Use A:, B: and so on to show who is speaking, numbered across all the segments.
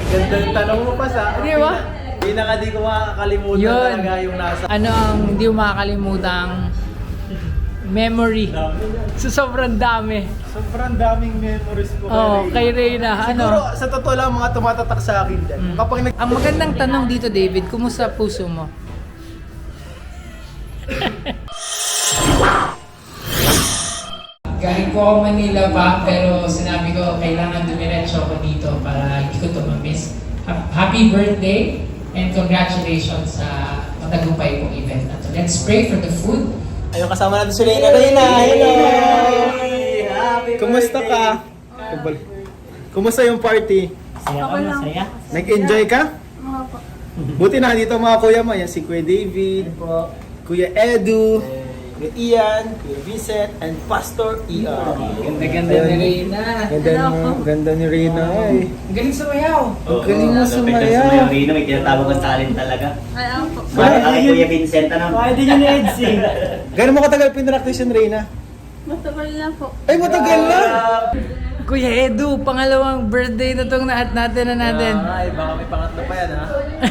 A: Ganda yung tanong mo pa sa.
B: Di ba?
A: Pinaka di ko makakalimutan
B: Yun.
A: talaga yung nasa.
B: Ano ang hindi mo makakalimutang memory? So, sobrang dami.
A: Sobrang daming memories ko
B: Kay Reyna.
A: Siguro
B: Ano?
A: sa totoo lang mga tumatatak sa akin dyan. Kapag
B: Ang magandang tanong dito, David, kumusta puso mo? Galing po ako Manila pa, pero sinabi ko kailangan dumiretso ako dito para hindi ko ito ma-miss. Happy birthday and congratulations sa matagumpay kong event na to. Let's pray for the food.
A: Ayun, kasama natin si Reyna. Reyna, hello! Kumusta ka? Kumusta yung party?
C: Saya ka, masaya?
A: Nag-enjoy ka? Buti na dito mga kuya mo. Yan si Kuya David, Kuya Edu, Kuya Ian, Kuya Vincent, and Pastor ER.
B: Ganda-ganda ni Reyna.
A: Ganda ni Reyna. Ay.
B: Ang galing sumayaw.
A: Ang galing mo sumayaw.
C: Rino, may tinatawag ng talent talaga.
D: Ay, ako.
C: Bakit kay Kuya Vincent, ano?
A: Pwede nyo ni Edsy. Gano'n mo katagal pinractice yung Reyna?
D: Matagal na po.
A: Ay, matagal na!
B: Kuya Edu, pangalawang birthday na tong natin.
A: Ay, baka may pangatlo pa yan, ha?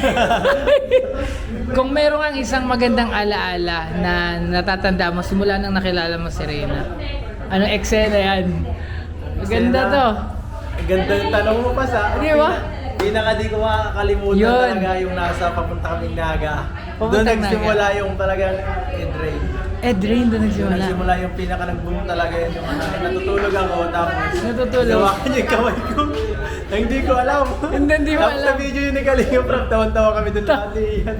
B: Kung meron kang isang magandang alaala na natatanda mo simula nang nakilala mo si Reyna, ano eksena yan? Maganda to.
A: Ganda yung tanong mo pa sa.
B: Di ba?
A: Pinaka di ko makakalimutan
B: Yun.
A: talaga yung nasa papunta kaming Naga. Doon
B: Papuntang
A: nagsimula yung talagang Edrain.
B: Rain doon
A: Doon
B: nagsimula.
A: nagsimula yung pinaka nag-boom talaga yun. Yung natutulog ako tapos
B: Natutulog.
A: nawakan yung kamay ko. Na hindi ko alam.
B: Hindi mo
A: Tapos
B: alam.
A: sa video yung ni Kalinga Prab, tawan-tawa kami doon lahat yan.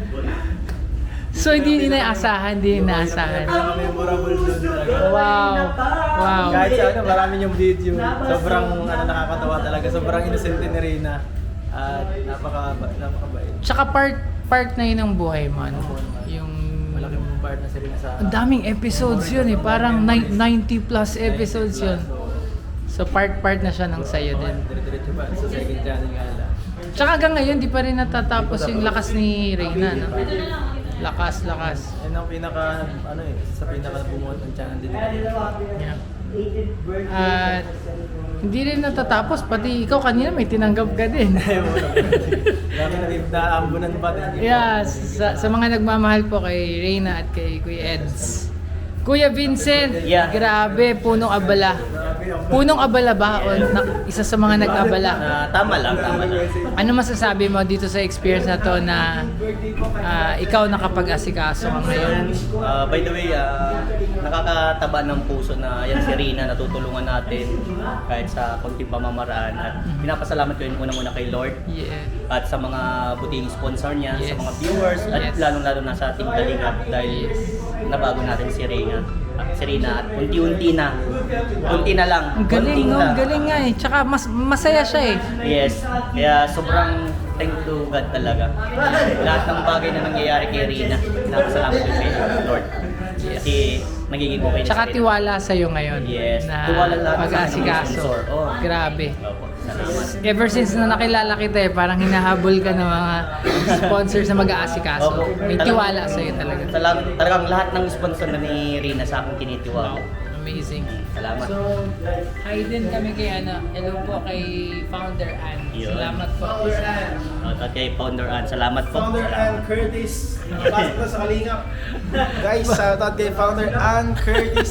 B: So hindi inaasahan, hindi inaasahan.
A: Ang memorable doon talaga.
B: Wow. Wow.
A: Kahit sa ano, marami yung video. Sobrang nakakatawa talaga. Sobrang innocent ni Reyna. At napakabait.
B: Tsaka part na yun ng buhay mo. Ano? Yung
A: Malaking part na si Reyna sa...
B: ang daming episodes yun eh. Parang 90 plus episodes yun. So part na siya ng sayo din.
A: Dire-diretso pa sa second channel nga lang.
B: Tsaka hanggang ngayon, di pa rin natatapos yung lakas ni Reyna, no? Lakas.
A: Yan ang pinaka, ano eh, sa pinaka bumuhat ng channel din.
B: Yeah. At hindi rin natatapos, pati ikaw kanina may tinanggap ka din.
A: Dami na rin naambunan pa.
B: Yeah, sa mga nagmamahal po kay Reyna at kay Kuya Eds. Kuya Vincent,
C: Yeah.
B: grabe, punong abala. Punong abala ba? O isa sa mga nag-abala?
C: Tama lang.
B: Ano masasabi mo dito sa experience na to na ikaw nakapag-asikaso ka ngayon?
C: By the way, nakakataba ng puso na yan si Rina, natutulungan natin kahit sa konting pamamaraan. At pinapasalamat ko yun unang-una kay Lord
B: Yeah.
C: at sa mga buting sponsor niya,
B: Yes.
C: sa mga viewers, at
B: Yes.
C: lalong-lalo na sa Team Kalingap dahil nabago natin si Rina. At unti-unti na. Unti na lang.
B: Ang galing,
C: Unting
B: no?
C: na.
B: Ang galing nga eh. Tsaka masaya siya eh.
C: Yes. Kaya sobrang thank to God talaga. Lahat ng bagay na nangyayari kay Rina, napasalamat ko kay Lord. Kasi nagiging okay na
B: Tsaka
C: si Rina.
B: tiwala sa'yo ngayon.
C: Yes.
B: Na
C: Tiwala lahat sa
B: pag-asikaso.
C: sponsor. Oh.
B: Grabe.
C: Opo, salamat.
B: Ever since na nakilala kita eh, parang hinahabol ka ng mga sponsors na mag-aasikaso.
C: Opo.
B: May tiwala sa'yo talaga.
C: Talagang lahat ng sponsor na ni Rina sa akin kinitiwala.
B: Wow. Amazing.
C: Salamat.
B: So, hi din kami kay hello po kay Founder Ann.
C: Yun.
B: Salamat po.
C: At kay Founder Ann, salamat po.
A: Founder
C: Salamat.
A: Ann Curtis. Pasok na sa Kalingap. Guys, shout out kay Founder Ann Curtis.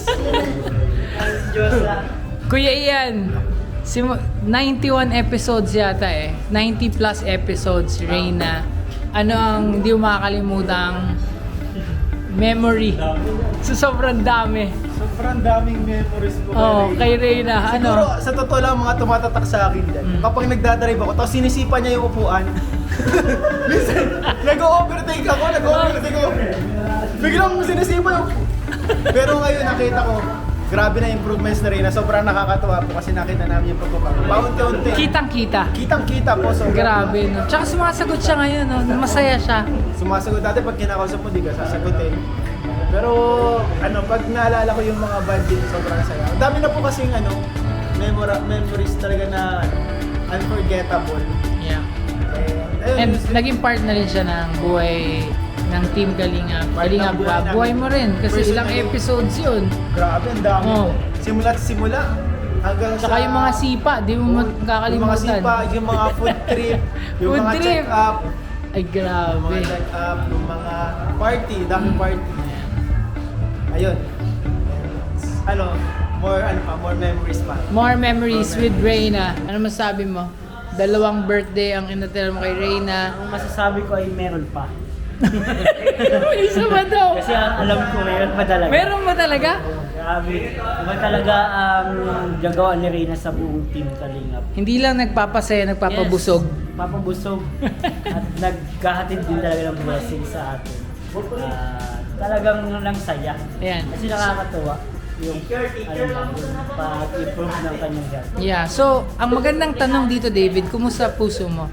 B: Kuya Ian, 91 episodes yata eh. 90 plus episodes, Reyna. Ano ang hindi mo makakalimutang memory? So sobrang dami.
A: Sobrang daming memories ko.
B: Kay Reyna.
A: Siguro
B: Ano?
A: sa totoo lang mga tumatatak sa akin dyan. Kapag nagdadrive ako, tapos sinisipa niya yung upuan. Minsan, nag-overtake ako. Biglang sinisipa yung... Pero ngayon nakita ko, grabe na improvements na rin na sobrang nakakatuwa po kasi nakita namin yung pagbabago. Paunti-unti.
B: Kitang-kita.
A: Kitang-kita po. So,
B: Grabe, no? Tsaka sumasagot siya ngayon, no? Masaya siya.
A: Sumasagot dati pag kinakausap mo, di ka sasagutin. Pero pag naalala ko yung mga banding, sobrang saya. Ang dami na po kasing memories talaga na unforgettable.
B: Yeah.
A: Ayun,
B: And naging part na rin siya ng buhay ng Team Kalingap. Kalingap ba? Buhay mo rin kasi ilang
A: Personally.
B: episodes yun.
A: grabe, ang dami
B: Oh.
A: po. Simula't simula, hanggang
E: Tsaka yung mga sipa, di mo
A: yung mga
E: makakalimutan.
A: sipa, yung mga food trip, yung
E: Food
A: mga
E: trip.
A: check-up,
E: Ay,
A: yung mga
E: grabe.
A: check-up, yung mga party, dami party. Ayun. Ano, more memories pa.
E: More memories with Reyna. Ano masabi mo? 2 birthday ang inatel mo kay Reyna.
C: Ang masasabi ko ay meron pa.
E: May isa ba daw?
C: Kasi ang alam ko meron pa talaga.
E: Meron ba talaga?
C: Grabe. Iba talaga ang gagawa ni Reyna sa buong team Kalingap.
E: Hindi lang nagpapasaya, nagpapabusog.
C: Yes, papabusog. At nagkahatid din talaga ng blessing sa atin. Talagang lang saya.
E: Ayan.
C: Kasi nakakatuwa yung pag-improve ng kanyang health.
E: Yeah, so ang magandang tanong dito, David, kumusta puso mo?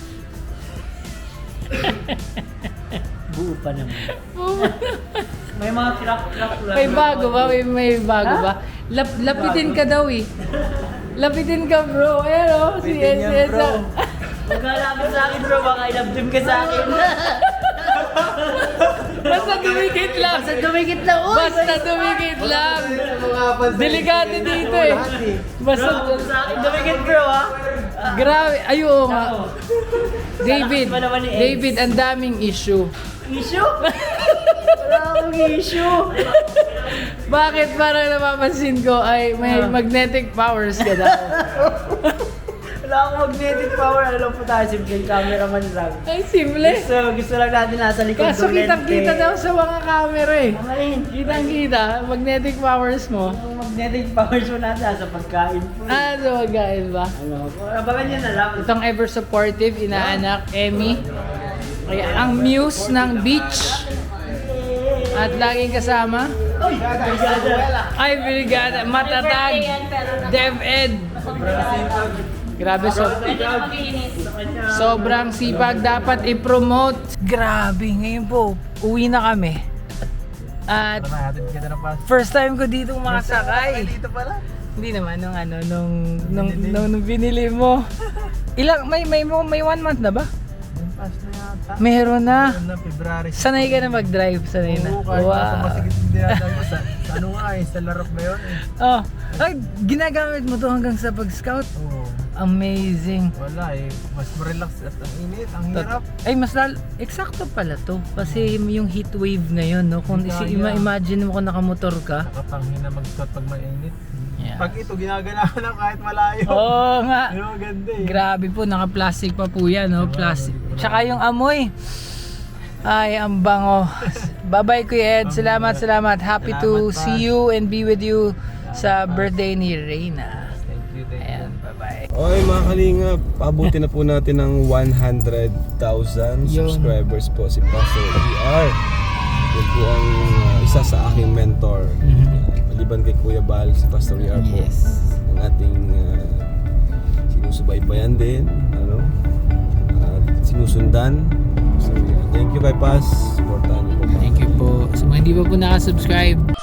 C: Buo pa naman. May mga crack lang.
E: May bago ba? May bago ba? Lapitin ka daw eh. Lapitin ka, bro. Ayan o, si
A: Lapitin yan,
E: SS.
A: bro.
C: Huwag ka lapit sa akin, bro. Baka ilabdim ka sa akin.
E: Basta dumikit lang.
C: Basta dumikit lang. Uy!
E: Basta dumikit lang.
A: Sa mga fans,
E: Delikado dito eh. Basta,
C: Bro, sa akin dumikit, bro, ha?
E: grabe. Ay, oo nga.
C: Ako.
E: David,
C: Malakas pa naman ni Eds.
E: David, ang daming issue.
C: Issue? Wala akong issue.
E: Bakit parang napapansin ko ay may magnetic powers ka daw?
C: Wala akong magnetic power. Alam po tayo, simple cameraman lang.
E: Ay, simple.
C: Gusto lang natin nasa likod
E: Kaso
C: ng lente.
E: kitang-kita daw sa mga camera eh.
C: Ayun.
E: Kitang-kita, magnetic powers mo.
C: Ang magnetic powers mo nasa pagkain po.
E: So magkain ba?
C: Ano, abangan nyo na lang.
E: Itong ever supportive, inaanak, Emmy. Kaya ang muse ng beach. At laging kasama. Ay, brigada. Matatag. DepEd. Grabe, sobrang sipag dapat i-promote. Grabe, ngayon po, uwi na kami. At first time ko dito makasakay.
A: Dito pala.
E: Hindi naman nung binili mo. May 1 month na ba?
A: Pass na yata.
E: Meron na.
A: Na February.
E: Sanay ka na mag-drive, sanay na.
A: Oo, kahit nasa
E: Wow.
A: masigit yung dinadaan ko sa ano nga eh, sa larap ba yun eh.
E: Oh, ay, ginagamit mo to hanggang sa pag-scout.
A: Oo.
E: Amazing.
A: Wala eh, mas relax at ang init, ang hirap.
E: Ay, eksakto pala to. Kasi yung heat wave ngayon, no? Kung
A: Kaya.
E: imagine mo kung nakamotor ka.
A: Nakapanghin na mag-scout pag mainit.
E: Yeah.
A: Pag ito, ginaganahan lang kahit malayo.
E: Oo nga.
A: Pero ganda eh.
E: Grabe po, naka-plastic pa po yan, no? Plastic. Tsaka yung amoy. Ay, ang bango. Bye-bye, Kuya Ed. Salamat. Happy to
A: Salamat pa.
E: see you and be with you sa birthday ni Reyna.
A: Thank you.
E: Ayan, bye-bye.
F: Okay mga kalingap, pabuti na po natin ng 100,000
E: Yun.
F: subscribers po si Pastor ER. Yun po ang isa sa aking mentor. Maliban kay Kuya Bal, si Pastor ER po.
E: Yes.
F: Ang ating sinusubaybayan din, at sinusundan. So, thank you kay Pas, supportahan niyo po.
E: Thank you po. Sa mga hindi pa po nakasubscribe,